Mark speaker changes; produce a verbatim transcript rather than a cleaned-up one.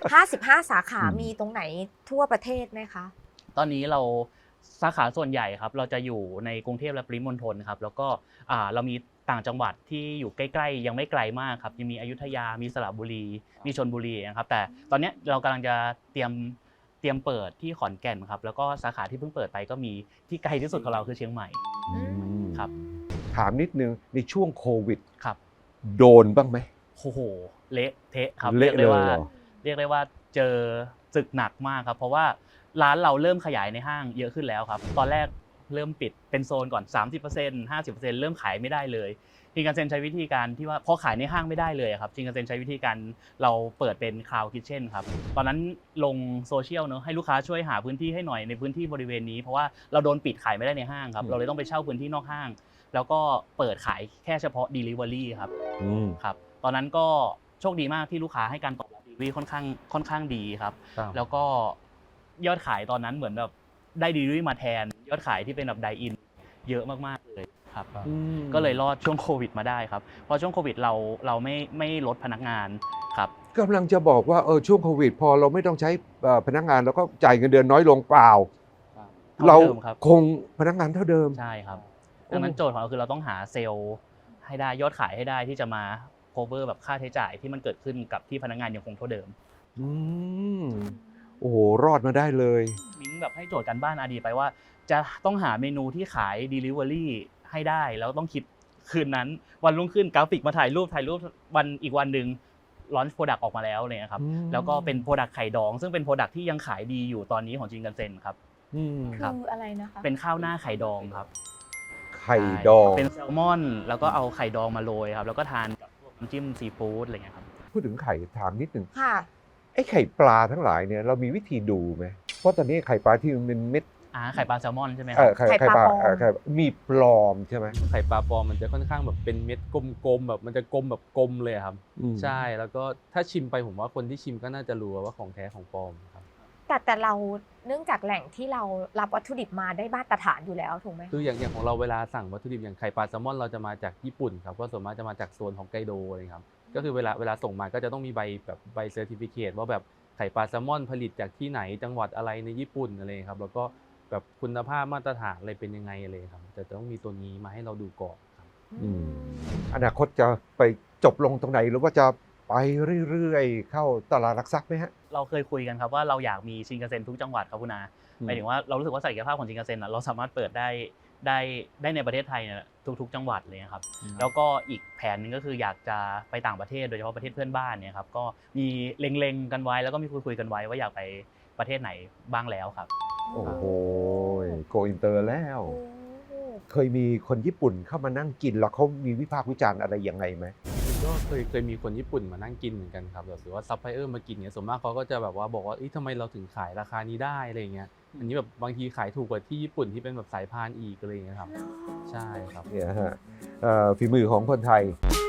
Speaker 1: ห้าสิบห้าสาขา
Speaker 2: อืม
Speaker 1: มีตรงไหนทั่วประเทศไหมคะ
Speaker 3: ตอนนี้เราสาขาส่วนใหญ่ครับเราจะอยู่ในกรุงเทพและปริมณฑลครับแล้วก็อ่าเรามีต่างจังหวัดที่อยู่ใกล้ๆยังไม่ไกลมากครับยังมีอยุธยามีสระบุรีมีชลบุรีนะครับแต่ตอนนี้เรากำลังจะเตรียมเตรียมเปิดที่ขอนแก่นครับแล้วก็สาขาที่เพิ่งเปิดไปก็มีที่ไกลที่สุดของเราคือเชียงใหม่
Speaker 1: อืม
Speaker 3: ครับ
Speaker 2: ถามนิดนึงในช่วงโควิด
Speaker 3: ครับ
Speaker 2: โดนบ้างไหม
Speaker 3: โอ้โหเละเทะครับ
Speaker 2: เละ
Speaker 3: รียกได้ว่า
Speaker 2: เลยเหรอ
Speaker 3: เรียกได้ว่าเจอศึกหนักมากครับเพราะว่าร้านเราเริ่มขยายในห้างเยอะขึ้นแล้วครับตอนแรกเริ่มปิดเป็นโซนก่อน สามสิบเปอร์เซ็นต์ ห้าสิบเปอร์เซ็นต์ เริ่มขายไม่ได้เลยชินคันเซ็นใช้วิธีการที่ว่าพอขายในห้างไม่ได้เลยครับชินคันเซ็นใช้วิธีการเราเปิดเป็นคลาวด์คิทเช่นครับตอนนั้นลงโซเชียลเนอะให้ลูกค้าช่วยหาพื้นที่ให้หน่อยในพื้นที่บริเวณนี้เพราะว่าเราโดนปิดขายไม่ได้ในห้างครับเราเลยต้องไปเช่าพื้นที่นอกห้าง แล้วก็เปิดขายแค่เฉพาะ Delivery ครับ
Speaker 2: อืม
Speaker 3: ครับตอนนั้นก็โชคดีมากที่ลูกค้าให้การตอบรับ Delivery ค่อนข้างค่อนข้างดีครับแล้วก็ยอดขายตอนนั้นเหมือนแบบได้ Delivery มาแทนยอดขายที่เป็นแบบไดอินเยอะมากๆเลยครับก็เลยรอดช่วงโควิดมาได้ครับเพราะช่วงโควิดเราเราไม่ไม่ลดพนักงานครับ
Speaker 2: กำลังจะบอกว่าเออช่วงโควิด พอเราไม่ต้องใช้เอ่อพนักงานแล้วก็จ่ายเงินเดือนน้อยลงเปล่า
Speaker 3: เท่า
Speaker 2: เรา
Speaker 3: เดิมครับ
Speaker 2: คงพนักงานเท่าเดิม
Speaker 3: ใช่ครับดังนั้นโจทย์ของเราคือเราต้องหาเซลล์ให้ได้ยอดขายให้ได้ที่จะมา cover แบบค่าใช้จ่ายที่มันเกิดขึ้นกับที่พนักงานยังคงเท่าเดิม
Speaker 2: อืมโอ้โหรอดมาได้เลย
Speaker 3: มิ้งแบบให้โจทย์กันบ้านอาดีไปว่า จะต้องหาเมนูที่ขาย Delivery ให้ได้แล้วต้องคิดคืนนั้นวันรุ่งขึ้นกราฟิกมาถ่ายรูปถ่ายรูปวันอีกวันหนึ่งลอนช์โปรดักต์ออกมาแล้วเลยครับ
Speaker 2: อืม
Speaker 3: แล้วก็เป็นโปรดักต์ไข่ดอง ซึ่งเป็นโปรดักต์ที่ยังขายดีอยู่ตอนนี้ของจินกันเซ็นครับ
Speaker 2: อืม
Speaker 3: ครับ
Speaker 1: คืออะไรนะคะ
Speaker 3: เป็นข้าวหน้าไข่ดองครับ
Speaker 2: ไข่ดอง
Speaker 3: เป็นแซลมอนแล้วก็เอาไข่ดองมาโรยครับแล้วก็ทานกับพวกน้ำจิ้มซีฟู้ดอะไรเงี้ยครับ
Speaker 2: พูดถึงไข่ถามนิดหนึ่ง
Speaker 1: ค่ะ
Speaker 2: ไอ้ไข่ปลาทั้งหลายเนี่ยเรามีวิธีดูไหมเพราะตอนนี้ไข่ปลาที่มันเป็นเม็ด
Speaker 3: อ่าไข่ปลาแซลมอนใช่ไหมค
Speaker 2: เอ
Speaker 3: รั
Speaker 2: อบ ไข่
Speaker 1: ไข่
Speaker 2: ไข่
Speaker 1: ป
Speaker 2: ป
Speaker 1: ลา
Speaker 2: ลา
Speaker 1: ปลอม
Speaker 2: เอ่อไข่มีปลอมใช่ไหม
Speaker 4: ไข่ปลาปลอมมันจะค่อนข้างแบบเป็นเม็ดกลมๆแบบมันจะกลมแบบกลมเลยครับ
Speaker 2: อืม
Speaker 4: ใช่แล้วก็ถ้าชิมไปผมว่าคนที่ชิมก็น่าจะรู้ว่าของแท้ของปลอมครับ
Speaker 1: แต่แต่เราเนื่องจากแหล่งที่เรารับวัตถุดิบมาได้มาตรฐานอยู่แล้วถูกไหม
Speaker 4: คืออย่างอย่างของเราเวลาสั่งวัตถุดิบอย่างไข่ปลาแซลมอนเราจะมาจากญี่ปุ่นครับก็ส่วนมากจะมาจากโซนของไกโดเลยครับก็คือเวลาเวลาส่งมาก็จะต้องมีใบแบบใบเซอร์ติฟิเคตว่าแบบไข่ปลาแซลมอนผลิตจากที่ไหนจังหวัดอะไรในญี่ปุ่นอะไรครับแล้วก็แบบคุณภาพมาตรฐานอะไรเป็นยังไงอะไรครับแต่จะต้องมีตัวนี้มาให้เราดูก่อนครับ
Speaker 2: อืม อนาคตจะไปจบลงตรงไหนหรือว่าจะไปเรื่อยๆ เข้าตลาดหลักทรัพย์ไหมฮะ
Speaker 3: เราเคยคุยกันครับว่าเราอยากมีชินคันเซ็นทุกจังหวัดครับคุณอา
Speaker 2: อืม
Speaker 3: หมายถึงว่าเรารู้สึกว่าศักยภาพของชินคันเซ็นเราสามารถเปิดได้ได้ได้ในประเทศไทยเนี่ยทุกๆ จังหวัดเลยครับแล้วก็อีกแผนหนึงก็คืออยากจะไปต่างประเทศโดยเฉพาะประเทศเพื่อนบ้านเนี่ยครับก็มีเล็งๆกันไว้แล้วก็มีคุยๆกันไว้ว่าอยากไปประเทศไหนบ้างแล้วครับ
Speaker 2: โอ้โหโกอินเตอร์แล้ว
Speaker 1: โอ้
Speaker 2: เคยมีคนญี่ปุ่นเข้ามานั่งกินแล้วเขามีวิพากษ์วิจารณ์อะไรยังไงไหม
Speaker 4: ก็เคยเคยมีคนญี่ปุ่นมานั่งกินเหมือนกันครับแบบหรือว่าซัพพลายเออร์มากินเนี่ยส่วนมากเขาก็จะแบบว่าบอกว่าเอ้ยทำไมเราถึงขายราคานี้ได้อะไรอย่างเงี้ยอันนี้แบบบางทีขายถูกกว่าที่ญี่ปุ่นที่เป็นแบบสายพานอีกอะไรอย่างเงี้ยครับใช่ครับ
Speaker 2: เนี่ยฮะเอ่อฝีมือของคนไทย